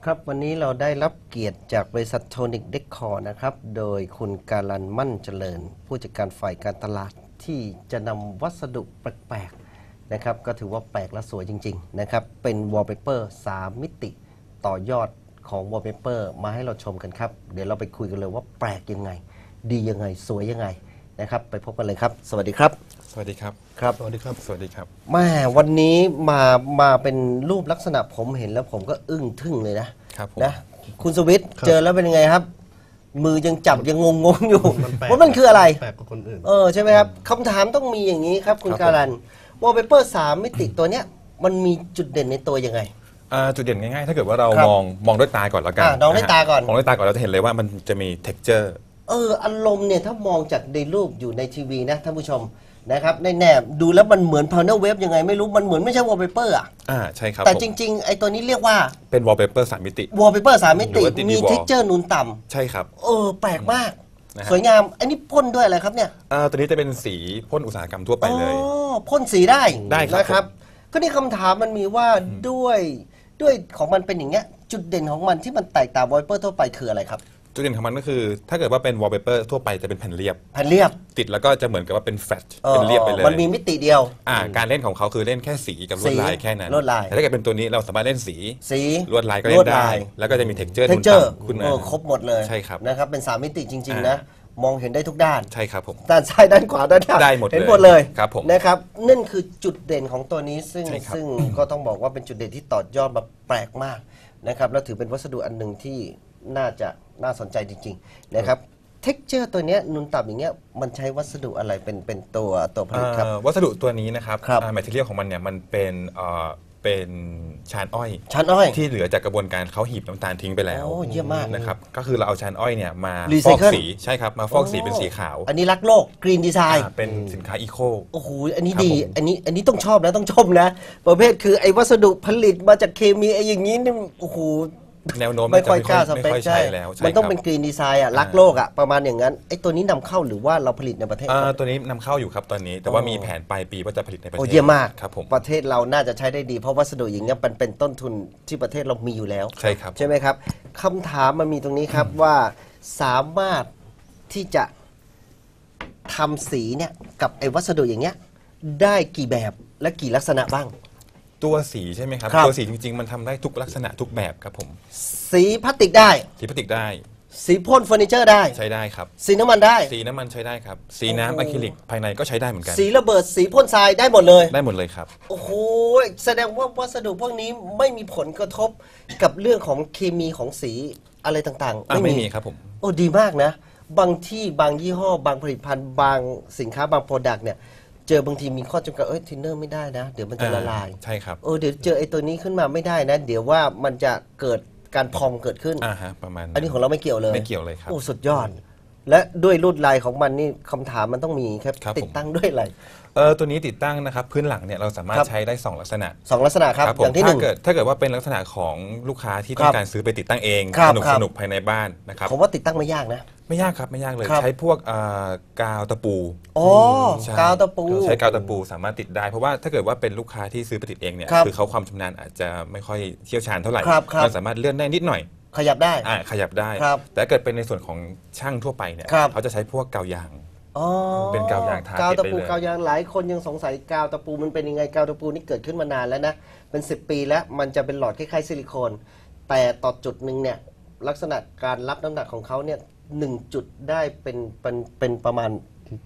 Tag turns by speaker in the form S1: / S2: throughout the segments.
S1: ครับวันนี้เราได้รับเกียรติจากบริษัทโทนิกเดคอร์นะครับโดยคุณการันมั่นเจริญผู้จัดการฝ่ายการตลาดที่จะนำวัสดุแปลกๆนะครับก็ถือว่าแปลกและสวยจริงๆนะครับเป็นวอลเปเปอร์3มิติต่อยอดของวอลเปเปอร์มาให้เราชมกันครับเดี๋ยวเราไปคุยกันเลยว่าแปลกยังไงดียังไงสวยยังไงนะครับไปพบกันเลยครับสวัสดีครับ
S2: สวัสดีครับ
S1: ครับ
S2: สวัสดีครับสวัสดีครับ
S1: แม่วันนี้มาเป็นรูปลักษณะผมเห็นแล้วผมก็อึ้งทึ่งเลยนะครับนะคุณสวิทย์เจอแล้วเป็นยังไงครับมือยังจับยังงงอยู่ว่ามันคืออะไร
S3: แปลกกว่าคนอื่น
S1: ใช่ไหมครับคำถามต้องมีอย่างนี้ครับคุณการันวอลเปเปอร์3มิติตัวเนี้ยมันมีจุดเด่นในตัวยังไง
S2: จุดเด่นง่ายๆถ้าเกิดว่าเรามองด้วยตาก่อนแล้วกัน
S1: มองด้วยตาก่อน
S2: มองด้วยตาก่อนเราจะเห็นเลยว่ามันจะมี texture
S1: อารมณ์เนี่ยถ้ามองจากในรูปอยู่ในทีวีนะท่านผู้ชมนะครับในแนบดูแล้วมันเหมือน panel web ยังไงไม่รู้มันเหมือนไม่ใช่ wallpaper
S2: ใช่ครับ
S1: แต่จริงๆไอ้ตัวนี้เรียกว่า
S2: เป็น wallpaper 3 มิติ
S1: wallpaper 3 มิติมี texture นูนต่ำ
S2: ใช่ครับ
S1: แปลกมากสวยงามอันนี้พ่นด้วยอะไรครับเนี่ย
S2: ตัวนี้จะเป็นสีพ่นอุตสาหกรรมทั่วไปเลย
S1: พ่นสีได้
S2: ครับ
S1: นะครับก็นี่คำถามมันมีว่าด้วยของมันเป็นอย่างเงี้ยจุดเด่นของมันที่มันแตกต่าง wallpaper ทั่วไปคืออะไรครับ
S2: จุดเด่นของมันก็คือถ้าเกิดว่าเป็น wallpaper ทั่วไปจะเป็นแผ่นเรียบติดแล้วก็จะเหมือนกับว่าเป็นแฟลชเป็นเรียบไปเลย
S1: มันมีมิติเดียว
S2: การเล่นของเขาคือเล่นแค่สีกับลวดลายแค่นั้น
S1: ลวดลาย
S2: แต่ถ้าเกิดเป็นตัวนี้เราสามารถเล่นสีลวดลายก็
S1: เ
S2: ล่นได้แล้วก็จะมี texture นูนต่ำขึ้นมา
S1: ครบหมดเลย
S2: ใช่ครับ
S1: นะครับเป็น3มิติจริงๆนะมองเห็นได้ทุกด้าน
S2: ใช่ครับผม
S1: ด้านซ้ายด้านขวาด้านหน้า
S2: ได้หมด
S1: เห็นหมดเลย
S2: ครับผม
S1: นะครับนั่นคือจุดเด่นของตัวนี้ซึ่งก็ต้องบอกว่าเป็นจุดเด่นที่ต่อยอดมาแปลกมากนะครับแล้วถือเป็นวัสดุอันหนึ่งที่น่าสนใจจริงๆนะครับเท็กเจอร์ตัวนี้นูนต่ำอย่างเงี้ยมันใช้วัสดุอะไรเป็นตัวผลิตครับ
S2: วัสดุตัวนี้นะครับแมทเทียลของมันเนี่ยมันเป็นชานอ้อยที่เหลือจากกระบวนการเขาหีบน้ำตาลทิ้งไปแล้ว
S1: เยี่ยมมาก
S2: นะครับก็คือเราเอาชานอ้อยเนี่ยมาฟอกสีใช่ครับมาฟอกสีเป็นสีขาว
S1: อันนี้รักโลกกรีนดีไซน์
S2: เป็นสินค้าอีโค
S1: โอ้โหอันนี้ดีอันนี้ต้องชอบนะต้องชมนะประเภทคือไอ้วัสดุผลิตมาจากเคมีไอ้อย่างนี้นี่โอ้โห
S2: แนวโน้ม
S1: ไม่ค่อยกล้าสเปค
S2: ใช่แล้ว
S1: มันต้องเป็นกรีนดีไซน์รักโลกประมาณอย่างนั้นไอ้ตัวนี้นำเข้าหรือว่าเราผลิตในประเทศ
S2: ตัวนี้นำเข้าอยู่ครับตอนนี้แต่ว่ามีแผนปลายปีว่าจะผลิตในประเทศ
S1: เยี่ยมมาก
S2: ครับผม
S1: ประเทศเราน่าจะใช้ได้ดีเพราะวัสดุอย่างนี้เป็นต้นทุนที่ประเทศเรามีอยู่แล้ว
S2: ใช่ครับ
S1: ใช่ไหมครับคำถามมันมีตรงนี้ครับว่าสามารถที่จะทำสีเนี่ยกับไอ้วัสดุอย่างเงี้ยได้กี่แบบและกี่ลักษณะบ้าง
S2: ตัวสีใช่ไหมครับตัวสีจริงๆมันทำได้ทุกลักษณะทุกแบบครับผม
S1: สีพลาสติกได้
S2: สีพลาสติกได้
S1: สีพ่นเฟอร์นิเจอร์ได้
S2: ใช้ได้ครับ
S1: สีน้ำมันได้
S2: สีน้ำมันใช้ได้ครับสีน้ำอะคริลิกภายในก็ใช้ได้เหมือนกัน
S1: สีระเบิดสีพ่นทรายได้หมดเลย
S2: ครับ
S1: โอ้โหแสดงว่าวัสดุพวกนี้ไม่มีผลกระทบกับเรื่องของเคมีของสีอะไรต่าง
S2: ๆไม่มีครับผม
S1: โอ้ดีมากนะบางที่บางยี่ห้อบางผลิตภัณฑ์บางสินค้าบางโปรดักต์เนี่ยเจอบางทีมีข้อจำกัดทินเนอร์ไม่ได้นะเดี๋ยวมันจะละลาย
S2: ใช่ครับ
S1: เดี๋ยวเจอไอ้ตัวนี้ขึ้นมาไม่ได้นะเดี๋ยวว่ามันจะเกิดการพองเกิดขึ้น
S2: ประมาณ
S1: อันนี้ของเราไม่เกี่ยวเลย
S2: ไม่เกี่ยวเลยครับ
S1: โอ้สุดยอดและด้วยลวดลายของมันนี่คำถามมันต้องมีครับติดตั้งด้วยอะไร
S2: ตัวนี้ติดตั้งนะครับพื้นหลังเนี่ยเราสามารถใช้ได้2ลักษณะ
S1: ครับอย่างที่หนึ่ง
S2: ถ้าเกิดว่าเป็นลักษณะของลูกค้าที่ต้องการซื้อไปติดตั้งเองสนุกภายในบ้านนะครับ
S1: ผมว่าติดตั้งไม่ยากนะ
S2: ไม่ยากครับไม่ยากเลยใช้พวกกาวตะปู
S1: กาวตะปู
S2: ใช้กาวตะปูสามารถติดได้เพราะว่าถ้าเกิดว่าเป็นลูกค้าที่ซื้อไปติดเองเนี่ยคือเขาความชำนาญอาจจะไม่ค่อยเชี่ยวชาญเท่าไหร่เราสามารถเลื่อนได้นิดหน่อย
S1: ขยับได้
S2: แต่เกิดเป็นในส่วนของช่างทั่วไปเนี่ยเขาจะใช้พวกกาวยางเป็นกาวยางทา
S1: กาวตะปูกาวยางหลายคนยังสงสัยกาวตะปูมันเป็นยังไงกาวตะปูนี่เกิดขึ้นมานานแล้วนะเป็น10 ปีแล้วมันจะเป็นหลอดคล้ายๆซิลิโคนแต่ต่อจุดหนึ่งเนี่ยลักษณะการรับน้ำหนักของเขาเนี่ย1 จุดได้เป็นประมาณ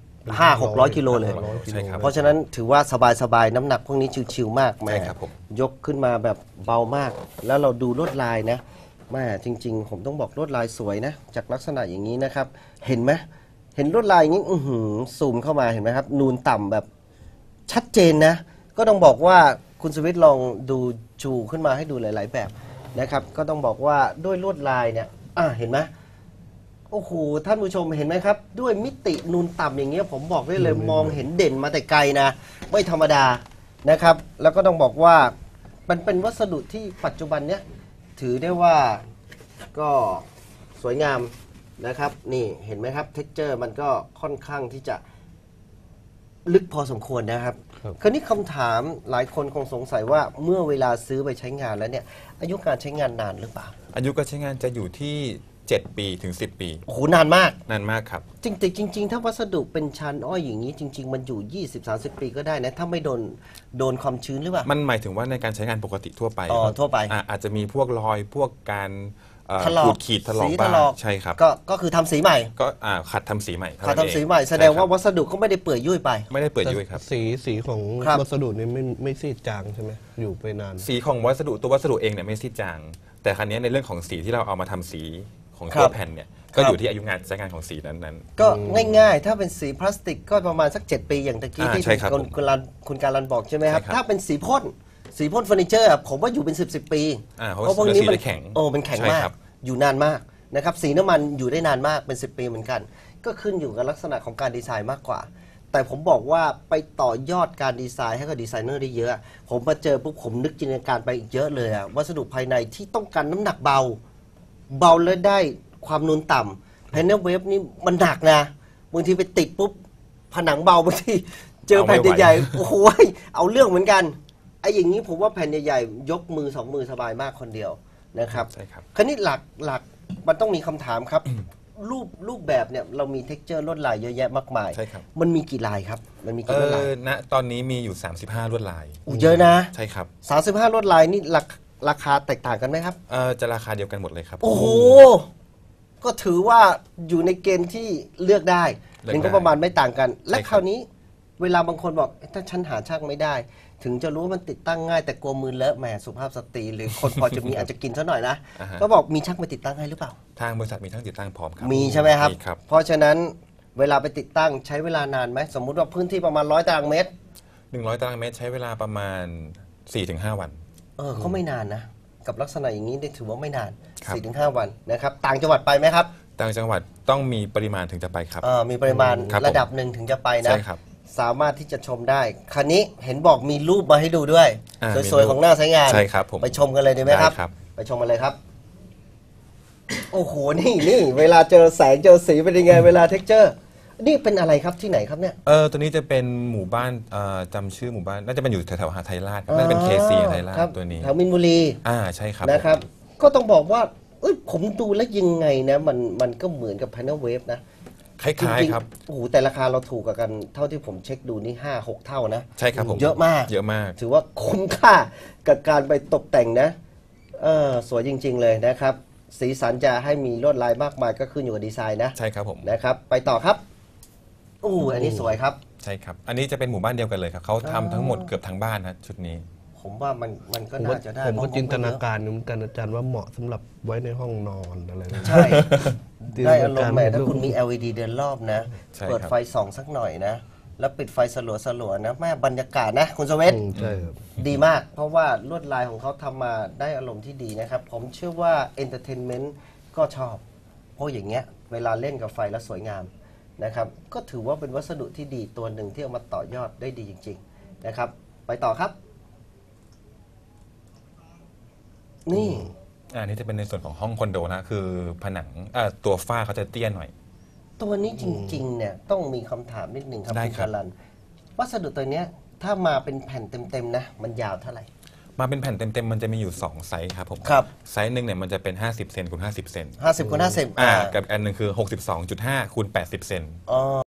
S1: 500-600 กิโลเลยเพราะฉะนั้นถือว่าสบายน้ำหนักพวกนี้ชิวๆมากแม่ยกขึ้นมาแบบเบามากแล้วเราดูลวดลายนะแม่จริงๆผมต้องบอกลวดลายสวยนะจากลักษณะอย่างนี้นะครับเห็นไหมเห็นลวดลายอย่างนี้ซูมเข้ามาเห็นไหมครับนูนต่ำแบบชัดเจนนะก็ต้องบอกว่าคุณสวิทย์ลองดูชูขึ้นมาให้ดูหลายๆแบบนะครับก็ต้องบอกว่าด้วยลวดลายเนี่ยเห็นไหมโอ้โหท่านผู้ชมเห็นไหมครับด้วยมิตินูนต่ำอย่างเงี้ยผมบอกได้เลยมองเห็นเด่นมาแต่ไกลนะไม่ธรรมดานะครับแล้วก็ต้องบอกว่ามันเป็นวัสดุที่ปัจจุบันเนี้ยถือได้ว่าก็สวยงามนะครับนี่เห็นไหมครับเท็กเจอร์มันก็ค่อนข้างที่จะลึกพอสมควรนะครับ
S3: ครับ
S1: คราวนี้คำถามหลายคนคงสงสัยว่าเมื่อเวลาซื้อไปใช้งานแล้วเนี่ยอายุการใช้งานนานหรือเปล่า
S2: อายุการใช้งานจะอยู่ที่ 7 ปีถึง 10 ปี
S1: โอ้โหนานมาก
S2: นานมากครับ
S1: จริงๆถ้าวัสดุเป็นชั้นอ้อยอย่างนี้จริง ๆ มันอยู่ 20-30 ปีก็ได้นะถ้าไม่โดนความชื้นหรือเปล่า
S2: มันหมายถึงว่าในการใช้งานปกติทั่วไป
S1: อ๋อทั่วไป
S2: อาจจะมีพวกรอยพวกการ
S1: ถลอก
S2: ขูดขีดถลอก
S1: สี
S2: บ้าง
S1: ถลอก
S2: ใช่ครับ
S1: ก็คือทำสีใหม่
S2: ก็ขัดทำสีใหม่เท่
S1: ขา
S2: นั้นเอง
S1: ทำสีใหม่แสดงว่า
S2: ใช่ครับ
S1: วัสดุก็ไม่ได้เปื่อยยุ่ยไป
S2: ไม่ได้เปิดยุ่ยครับ
S3: สีของ
S1: ครับ
S3: วัสดุนี่ไม่ซีดจางใช่ไหมอยู่ไปนาน
S2: สีของวัสดุตัววัสดุเองเนี่ยไม่ซีดจาง แต่ครั้นี้ในเรื่องของสีที่เราเอามาทำสีของ
S1: ครั
S2: ตัว
S1: บ
S2: แผ่นเนี่ย
S1: ค
S2: ก็
S1: รับ
S2: อยู่ที่อายุงานใช้งานของสีนั้น
S1: ก็ง่ายๆ ถ้าเป็นสีพลาสติกก็ประมาณสัก 7 ปีอย่างตะกี้ที่
S2: ใช่ครับ
S1: คุณการันบอกใช่ไหมครับ
S2: ใช่ครับ
S1: ถ้าเป็นสีพ่นเฟอร์นิเจอร์อะผมว่าอยู่เป็น 10 ปี
S2: เพราะ
S1: พวกนี้
S2: สีแข็ง
S1: มันแข็ง
S2: ใช่
S1: มาก
S2: ครับ
S1: อยู่นานมากนะครับสีน้ำมันอยู่ได้นานมากเป็น 10 ปีเหมือนกัน ก็ขึ้นอยู่กับลักษณะของการดีไซน์มากกว่า แต่ผมบอกว่าไปต่อยอดการดีไซน์ให้กับดีไซเนอร์ได้เยอะ ผมมาเจอปุ๊บผมนึกจินตนาการไปอีกเยอะเลยอะวัสดุภายในที่ต้องการน้ำหนักเบาและได้ความนูนต่ำแผ่นเวฟนี่มันหนักนะบางทีไปติดปุ๊บผนังเบาบางทีเจอแผ่นใหญ่ๆโอ้โหเอาเรื่องเหมือนกันไอ้อย่างนี้ผมว่าแผ่นใหญ่ๆยกมือ2 มือสบายมากคนเดียวนะครับ
S2: ใช่ครับ
S1: คราวนี้หลักมันต้องมีคำถามครับ รูปแบบเนี่ยเรามีเท็กเจอร์ลวดลายเยอะแยะมากมาย
S2: ใช่ครับ
S1: มันมีกี่ลายครับ มันมีกี่ลวดลาย
S2: ณตอนนี้มีอยู่ 35 ลวดลาย
S1: อู้เยอะนะ
S2: ใช่ครับ
S1: 35ลวดลายนี่ราคาแตกต่างกันไหมครับ
S2: จะราคาเดียวกันหมดเลยครับ
S1: โอ้โห ก็ถือว่าอยู่ในเกณฑ์ที่เลือกได้
S2: เลือกได้
S1: เงินก็ประมาณไม่ต่างกัน และ
S2: ใช่ครับ
S1: คราวนี้เวลาบางคนบอกถ้าฉันหาช่างไม่ได้ ถึงจะรู้ว่ามันติดตั้งง่ายแต่กลัวมือเลอะแหมสุภาพสตรีหรือคนพอจะมี อาจจะกินซะหน่อยนะ ก็บอกมีช่างมาติดตั้งให้หรือเปล่า
S2: ทางบริษัทมีทั้งติดตั้งพร้อมครับ
S1: มีใช่ไหมครับ
S2: มีครับ
S1: เพราะฉะนั้นเวลาไปติดตั้งใช้เวลานานไหมสมมุติว่าพื้นที่ประมาณ100 ตารางเมตร
S2: 100 ตารางเมตรใช้เวลาประมาณ 4-5 วัน
S1: ก็ไม่นานนะ กับลักษณะอย่างนี้ได้ถือว่าไม่นาน
S2: ครับ
S1: 4-5 วันนะครับต่างจังหวัดไปไหมครับ
S2: ต่างจังหวัดต้องมีปริมาณถึงจะไปครับ
S1: มีปริมาณ
S2: ครับผม
S1: ระดับหนึ่งถึงจะไปนะ
S2: ใช่ครับ
S1: สามารถที่จะชมได้ คันนี้เห็นบอกมีรูปมาให้ดูด้วย
S2: มี
S1: สวย
S2: รูป
S1: ๆของหน้าใช้งาน
S2: ใช่ครับผม
S1: ไปชมกันเลยดีไหมครับ
S2: ได้ครับ
S1: ไปชมกันเลยครับ โอ้โห นี่เวลาเจอแสงเจอสีเป็นยังไง เวลาเท็กเจอร์ นี่เป็นอะไรครับที่ไหนครับเนี่ย
S2: ตัวนี้จะเป็นหมู่บ้านจำชื่อหมู่บ้านน่าจะเป็นอยู่แถวๆหาดไทยราชครับน่าจะเป็นเคซีไทยราช
S1: ครับ
S2: ตัวนี้
S1: แถวมินบุรี
S2: ใช่ครับ
S1: นะครับ ก็ต้องบอกว่าผมดูแล้วยังไงนะ มันก็เหมือนกับ Panel Wave นะ
S2: คล้ายๆครับ
S1: โอ้โหแต่ราคาเราถูกกว่ากันเท่าที่ผมเช็คดูนี่ 5-6 เท่านะ
S2: ใช่ครับผม
S1: เยอะมาก
S2: เยอะมาก
S1: ถือว่าคุ้มค่ากับการไปตกแต่งนะสวยจริง ๆ เลยนะครับ สีสันจะให้มีลวดลายมากมายก็ขึ้นอยู่กับดีไซน์นะ
S2: ใช่ครับผม
S1: นะครับ ไปต่อครับอันนี้สวยครับ
S2: ใช่ครับ อันนี้จะเป็นหมู่บ้านเดียวกันเลยครับเขาทำทั้งหมดเกือบทั้งบ้านนะชุดนี้
S1: ผมว่ามันก็
S3: ผม
S1: น่า
S3: ว่า
S1: จะได้
S3: ผมก็
S1: เพะ
S3: จินตนา
S1: เยอะ
S3: การอยู่เหมือนกันอาจารย์ว่าเหมาะสำหรับไว้ในห้องนอนอะไรแบบนี้
S1: ใช่
S3: จินต
S1: ได้
S3: นา
S1: อารม
S3: การ
S1: ณ์แหม่ถ้า
S3: รูป
S1: คุณมี LED เดินรอบนะ
S2: ใช่ครับ
S1: เปิดไฟส่องสักหน่อยนะ แล้วปิดไฟสลัวๆนะแม่บรรยากาศนะ คุณสเวต
S3: ใช่ครับ
S1: ดีมาก เพราะว่าลวดลายของเขาทำมาได้อารมณ์ที่ดีนะครับ ผมเชื่อว่า Entertainment ก็ชอบ เพราะอย่างเงี้ยเวลาเล่นกับไฟแล้วสวยงามนะครับ ก็ถือว่าเป็นวัสดุที่ดีตัวหนึ่งที่เอามาต่อยอดได้ดีจริง ๆนะครับ ไปต่อครับ นี่
S2: อันนี้จะเป็นในส่วนของห้องคอนโดนะคือผนังตัวฝ้าเขาจะเตี้ยหน่อย
S1: ตัวนี้จริงๆเนี่ยต้องมีคำถามนิดหนึ่งครับ
S2: ได้
S1: คุณ
S2: ครับ
S1: กาลันวัสดุตัวเนี้ยถ้ามาเป็นแผ่นเต็มๆนะมันยาวเท่าไหร่
S2: มาเป็นแผ่นเต็มๆมันจะมีอยู่ 2 ไซส์ครับผม
S1: ครับ
S2: ไซส์หนึ่งเนี่ยมันจะเป็น 50 เซนคูณ50 เซน
S1: 50 คูณ 50
S2: กับอันหนึ่งคือ 62.5 คูณ 80 เซน
S1: อ๋อ